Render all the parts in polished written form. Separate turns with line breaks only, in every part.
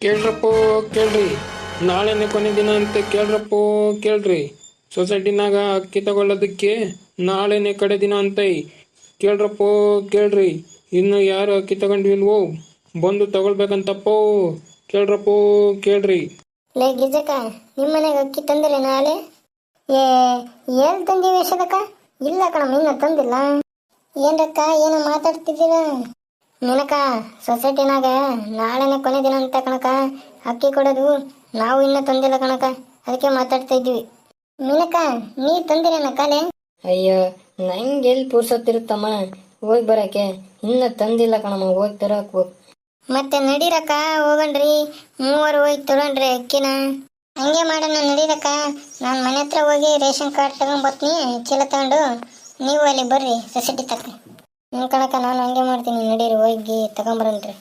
ಕೇಳ್ರಪ್ಪೋ ಕೇಳ್ರಿ, ನಾಳೆನೆ ಕೊನೆ ದಿನ ಅಂತ ಕೇಳ್ರಪ್ಪೋ ಕೇಳ್ರಿ. ಸೊಸೈಟಿನಾಗ ಅಕ್ಕಿ ತಗೊಳ್ಳೋದಕ್ಕೆ ನಾಳೆನೆ ಕಡೆ ದಿನ ಅಂತೈ. ಕೇಳ್ರಪ್ಪೋ ಕೇಳ್ರಿ, ಇನ್ನು ಯಾರು ಅಕ್ಕಿ ತಗೊಂಡಿಲ್ವೋ ಬಂದು ತಗೊಳ್ಬೇಕಂತಪ್ಪೋ. ಕೇಳ್ರಪ್ಪೋ ಕೇಳ್ರಿ.
ಲೇ ಗಿಜಕ್ಕ, ನಿಮ್ಮ ಮನೆಗೆ ಅಕ್ಕಿ ತಂದಿಲ್ಲ ನಾಳೆ? ಏ ಏನ್ ತಂದೀವಿ ಯಶೋದಕ್ಕ? ಇಲ್ಲ ಕಣಮ್ಮ, ಇನ್ನ ತಂದಿಲ್ಲ. ಏನ್ರಕ್ಕ ಏನೋ ಮಾತಾಡ್ತಿದ್ದೀರ? ನಿನಕ ಸೊಸೈಟಿನಾಗ ನಾಳೆನೆ ಕೊನೆ ದಿನ ಅಂತ ಕಣಕ ಅಕ್ಕಿ ಕೊಡೋದು. ನಾವು ಇನ್ನ ತಂದಿಲ್ಲ ಕಣಕ, ಅದಕ್ಕೆ ಮಾತಾಡ್ತಾ ಇದ್ವಿ. ನಿನಕ ನೀ ತಂದಿರೇನ ಕಾಲೆ?
ಅಯ್ಯೋ, ನಂಗೆ ಎಲ್ಲಿ ಪುರ್ಸೊತ್ತಿರುತ್ತಮ್ಮ ಹೋಗಿ ಬರಕ್ಕೆ. ಇನ್ನ ತಂದಿಲ್ಲ ಕಣಮ್ಮ, ಹೋಗಿ ತರಕ್ ಹೋಗ್.
ಮತ್ತೆ ನಡೀರಕ್ಕ, ಹೋಗಣ್ರಿ. ಮೂವರು ಹೋಗಿ ತಗೊಂಡ್ರಿ ಅಕ್ಕಿನ. ಹಂಗೆ ಮಾಡೋಣ ನಡೀರಕ್ಕ. ನಾನು ಮನೆ ಹತ್ರ ಹೋಗಿ ರೇಷನ್ ಕಾರ್ಡ್ ತಗೊಂಡ್ಬರ್ತೀನಿ, ಚೀಲ ತಗೊಂಡು. ನೀವು ಅಲ್ಲಿ ಬರ್ರಿ ಸೊಸೈಟಿ ತಕ್ಕ. ಕಣಕ ನಾನು ಹಂಗೆ ಮಾಡ್ತೀನಿ, ನಡೀರಿ ಹೋಗಿ ತಗೊಂಬರನ್ರಿ.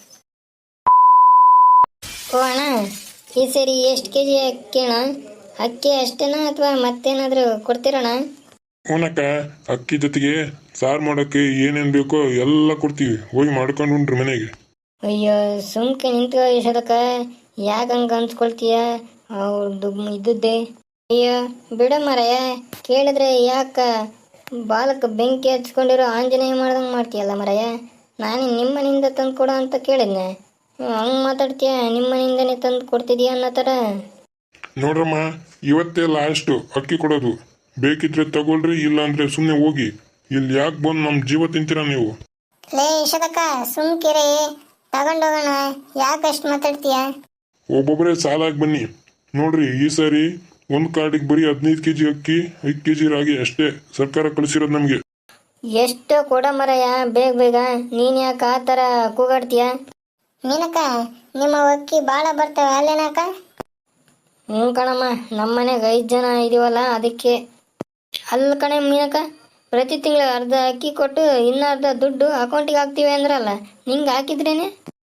ಓ ಅಣ್ಣ, ಈ ಸರಿ ಎಷ್ಟು ಕೆಜಿ ಅಕ್ಕಿ ಅಣ್ಣ? ಅಕ್ಕಿ ಅಷ್ಟೇನಾ ಅಥವಾ ಮತ್ತೇನಾದರೂ ಕೊಡ್ತೀರಣ್ಣ?
ಅವನಕ್ಕ ಅಕ್ಕಿ ಜೊತೆಗೆ ಸಾರು ಮಾಡೋಕ್ಕೆ ಏನೇನು ಬೇಕೋ ಎಲ್ಲ ಕೊಡ್ತೀವಿ, ಹೋಗಿ ಮಾಡ್ಕೊಂಡು ಉಂಡ್ರಿ ಮನೆಗೆ.
ಅಯ್ಯೋ ಸುಮ್ಕೆ ನಿಂತ್ಕೋ ಯಶೋದಕ್ಕ, ಯಾಕೆ ಹಂಗೆ ಅನ್ಸ್ಕೊಳ್ತೀಯ? ಅವ್ರದ್ದು ಇದ್ದದ್ದೇ. ಅಯ್ಯೋ ಬಿಡ ಮರಯ್ಯ, ಕೇಳಿದ್ರೆ ಯಾಕ ಬಾಲಕ್ಕೆ ಬೆಂಕಿ ಹಚ್ಕೊಂಡಿರೋ ಆಂಜನೇಯ ಮಾಡ್ದಂಗೆ ಮಾಡ್ತೀಯಲ್ಲ ಮರಯ್ಯ. ನಾನು ನಿಮ್ಮ ಮನೆಯಿಂದ ತಂದು ಕೊಡೋ ಅಂತ ಕೇಳಿದ್ನೆ, ಹಂಗೆ ಮಾತಾಡ್ತೀಯ? ನಿಮ್ಮ ಮನೆಯಿಂದನೇ ತಂದು ಕೊಡ್ತಿದೀಯ ಅನ್ನೋ ಥರ.
ನೋಡ್ರಮ್ಮ, ಇವತ್ತೇ ಲಾಸ್ಟು ಅಕ್ಕಿ ಕೊಡೋದು. ಬೇಕಿದ್ರೆ ತಗೊಳ್ರಿ, ಇಲ್ಲ ಅಂದ್ರೆ ಸುಮ್ಮನೆ ಹೋಗಿ. ಇಲ್ಲಿ ಯಾಕೆ ಬಂದು ನಮ್ಮ ಜೀವ ತಿಂತೀರಾ ನೀವು?
ಲೇ ಯಶೋದಕ್ಕ, ಸುಮ್ಕಿರಿ, ತಗೊಂಡೋಗೋಣ. ಯಾಕಷ್ಟು ಮಾತಾಡ್ತೀಯ?
ಒಬ್ಬೊಬ್ಬರೇ ಸಾಲಾಗಿ ಬನ್ನಿ. ನೋಡ್ರಿ, ಈ ಸಾರಿ ಒಂದು ಕಾರ್ಡಿಗೆ ಬರೀ 15 ಕೆಜಿ ಅಕ್ಕಿ, 5 ಕೆಜಿ ರಾಗಿ ಅಷ್ಟೇ ಸರ್ಕಾರ ಕಳಿಸಿರೋದು ನಮಗೆ.
ಎಷ್ಟು ಕೊಡ ಮರಯ್ಯ, ಬೇಗ ಬೇಗ. ನೀನು ಯಾಕೆ ಆ ಥರ ಕೂಗಾಡ್ತೀಯ?
ಮೀನಕ್ಕ, ನಿಮ್ಮ ಅಕ್ಕಿ ಭಾಳ ಬರ್ತವೆ ಅಲ್ಲೇನಕ್ಕ?
ಹ್ಞೂ ಕಣಮ್ಮ, ನಮ್ಮ ಮನೆಗೆ 5 ಜನ ಇದೀವಲ್ಲ ಅದಕ್ಕೆ. ಅಲ್ಲ ಕಣೆ ಮೀನಕ್ಕ, ಪ್ರತಿ ತಿಂಗಳು ಅರ್ಧ ಅಕ್ಕಿ ಕೊಟ್ಟು ಇನ್ನು ಅರ್ಧ ದುಡ್ಡು ಅಕೌಂಟಿಗೆ ಹಾಕ್ತೀವಿ ಅಂದ್ರಲ್ಲ, ನಿಂಗೆ ಹಾಕಿದ್ರೇನೆ?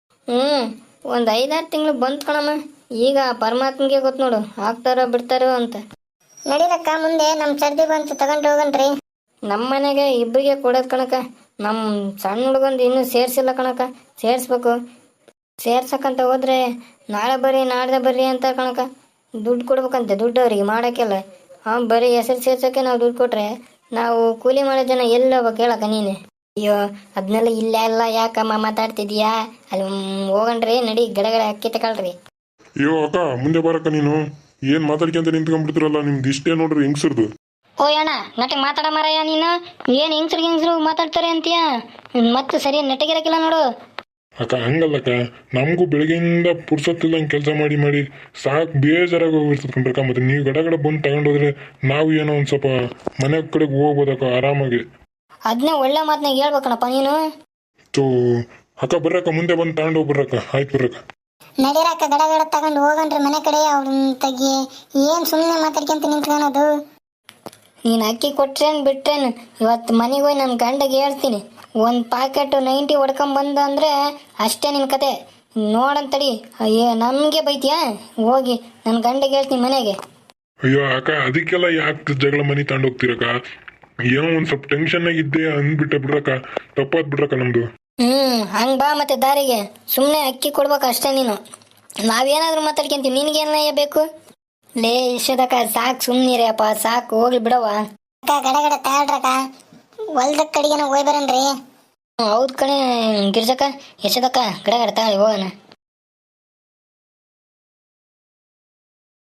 ಒಂದು 5-6 ತಿಂಗಳು ಬಂತು ಕಣಮ್ಮ. ಈಗ ಪರಮಾತ್ಮಗೆ ಗೊತ್ತು ನೋಡು, ಹಾಕ್ತಾರೋ ಬಿಡ್ತಾರೋ ಅಂತ.
ನಡೀರಕ್ಕ, ಮುಂದೆ ನಮ್ಮ ಸರ್ದಿ ಬಂತು, ತಗೊಂಡು ಹೋಗಣ್ರಿ.
ನಮ್ಮ ಮನೆಗೆ ಇಬ್ಬರಿಗೆ ಕೊಡೋದು ಕಣಕ. ನಮ್ಮ ಸಣ್ಣ ಹುಡುಗಂದು ಇನ್ನೂ ಸೇರಿಸಿಲ್ಲ ಕಣಕ, ಸೇರಿಸ್ಬೇಕು. ಸೇರ್ಸಕ್ಕಂತ ಹೋದ್ರೆ ನಾಳೆ ಬರ್ರಿ ನಾಡ್ದೆ ಬರ್ರಿ ಅಂತ ಕಣಕ. ದುಡ್ಡು ಕೊಡ್ಬೇಕಂತೆ, ದುಡ್ಡು ಅವ್ರಿಗೆ ಮಾಡೋಕ್ಕೆಲ್ಲ. ಬರೀ ಹೆಸರು ಸೇರ್ಸೋಕ್ಕೆ ನಾವು ದುಡ್ಡು ಕೊಟ್ರೆ ನಾವು ಕೂಲಿ ಮಾಡೋ ಜನ ಎಲ್ಲಿ ಹೋಗ್ಬೇಕು ಹೇಳಕ್ಕ ನೀನೆ? ಅಯ್ಯೋ ಅದನ್ನೆಲ್ಲ ಇಲ್ಲ ಎಲ್ಲ ಯಾಕಮ್ಮ ಮಾತಾಡ್ತಿದ್ಯಾ? ಅಲ್ಲಿ ಹೋಗಣ್ರಿ, ನಡಿ ಗಡಗಡೆ ಅಕ್ಕಿ ತಗೊಳ್ರಿ.
ಅಯ್ಯೋ ಅಕ್ಕ, ಮುಂದೆ ಬರಕ್ಕ. ನೀನು ಏನು ಮಾತಾಡ್ಕೊಂತ ನಿಂತ್ಕೊಂಡ್ಬಿಡ್ತಿರಲ್ಲ, ನಿಮ್ದು ಇಷ್ಟೇ ನೋಡ್ರಿ ಹೆಂಗ್ಸರ್ದು.
ಓ ಅಣ್ಣ, ನಟಿಗೆ ಮಾತಾಡ ಮರಯ್ಯ ನೀನು. ಏನು ಹೆಂಗ್ಸ್ರು ಮಾತಾಡ್ತಾರೆ ಅಂತೀಯ? ಮತ್ತೆ ಸರಿ ನೆಟ್ಟಿಗಿರಕ್ಕಿಲ್ಲ ನೋಡು.
ಅಕ್ಕ ಹಂಗಲ್ಲಕ್ಕ, ನಮಗೂ ಬೆಳಗ್ಗೆಯಿಂದ ಪುರ್ಸೊತ್ತಿಲ್ಲಂಗೆ ಕೆಲಸ ಮಾಡಿ ಮಾಡಿ ಸಾಕು ಬೇಜಾರಾಗಿ ಹೋಗಿರ್ತದೆ ಕಣ್ರಕ್ಕ. ಮತ್ತೆ ನೀವು ಗಡಗಡ ಬಂದು ತಗೊಂಡೋದ್ರೆ ನಾವು ಏನೋ ಒಂದು ಸ್ವಲ್ಪ ಮನೆ ಕಡೆಗೆ ಹೋಗ್ಬೋದಕ್ಕ ಆರಾಮಾಗಿ.
ಅದನ್ನೇ ಒಳ್ಳೆ ಮಾತನಾಗ ಹೇಳ್ಬೇಕಣಪ್ಪ ನೀನು.
ಸೊ ಅಕ್ಕ ಬರ್ರಕ್ಕ, ಮುಂದೆ ಬಂದು ತಗೊಂಡೋಗಿ ಬರ್ರಕ್ಕ. ಆಯ್ತು ಬರ್ರಕ್ಕ.
ನಡೀರಕ್ಕ, ಗಡಗಡ ತಗೊಂಡು ಹೋಗಣ್ರಿ ಮನೆ ಕಡೆ. ಅವ್ರನ್ನ ತೆಗಿ, ಏನು ಸುಮ್ಮನೆ ಮಾತಾಡ್ಕೊಂತ ನಿಂತ್ಕೊಳೋದು?
ನೀನು ಅಕ್ಕಿ ಕೊಟ್ರೇನು ಬಿಟ್ರೇನು, ಇವತ್ತು ಮನೆಗೆ ಹೋಗಿ ನನ್ನ ಗಂಡಗೆ ಹೇಳ್ತೀನಿ. ಒಂದು ಪ್ಯಾಕೆಟು 90 ಹೊಡ್ಕೊಂಬಂದ ಅಂದರೆ ಅಷ್ಟೇ ನಿನ್ನ ಕತೆ. ನೋಡಂತಡಿ, ಅಯ್ಯೋ ನಮಗೆ ಬೈತೀಯಾ? ಹೋಗಿ ನನ್ನ ಗಂಡಗೆ ಹೇಳ್ತೀನಿ ಮನೆಗೆ.
ಅಯ್ಯೋ ಅಕ್ಕ, ಅದಕ್ಕೆಲ್ಲ ಯಾಕೆ ಜಗಳ ಮನೆ ತಗೊಂಡೋಗ್ತಿರಕ್ಕ? ಏನೋ ಒಂದು ಸ್ವಲ್ಪ ಟೆನ್ಷನ್ನಾಗಿದ್ದೆ ಅಂದ್ಬಿಟ್ಟೆ ಬಿಡ್ರಕ್ಕ, ತಪ್ಪಾದ್ ಬಿಡ್ರಕ್ಕ ನಮ್ಮದು.
ಹಂಗೆ ಬಾ ಮತ್ತೆ ದಾರಿಗೆ. ಸುಮ್ಮನೆ ಅಕ್ಕಿ ಕೊಡ್ಬೇಕು ಅಷ್ಟೇ ನೀನು. ನಾವೇನಾದರೂ ಮಾತಾಡ್ಕೊಂತೀವಿ, ನಿನಗೇನ ಬೇಕು? ಲೇ ಯಶೋದಕ್ಕ, ಸಾಕು ಸುಮ್ಮನಿರಿ ಅಪ್ಪ, ಸಾಕು ಹೋಗ್ಲಿ ಬಿಡವ.
ಅಕ್ಕ ಗಡಗಡ ತಗೊಳ್ರಕ್ಕ, ಹೊಲ್ದ ಕಡೆಗೇನೋ ಹೋಗಿ ಬರನ್ರಿ.
ಹೌದು ಕಣೆ ಗಿರ್ಜಕ್ಕ, ಯಶೋದಕ್ಕ, ಗಡಗಡ ತಗೊಳ್ಳಿ ಹೋಗೋಣ.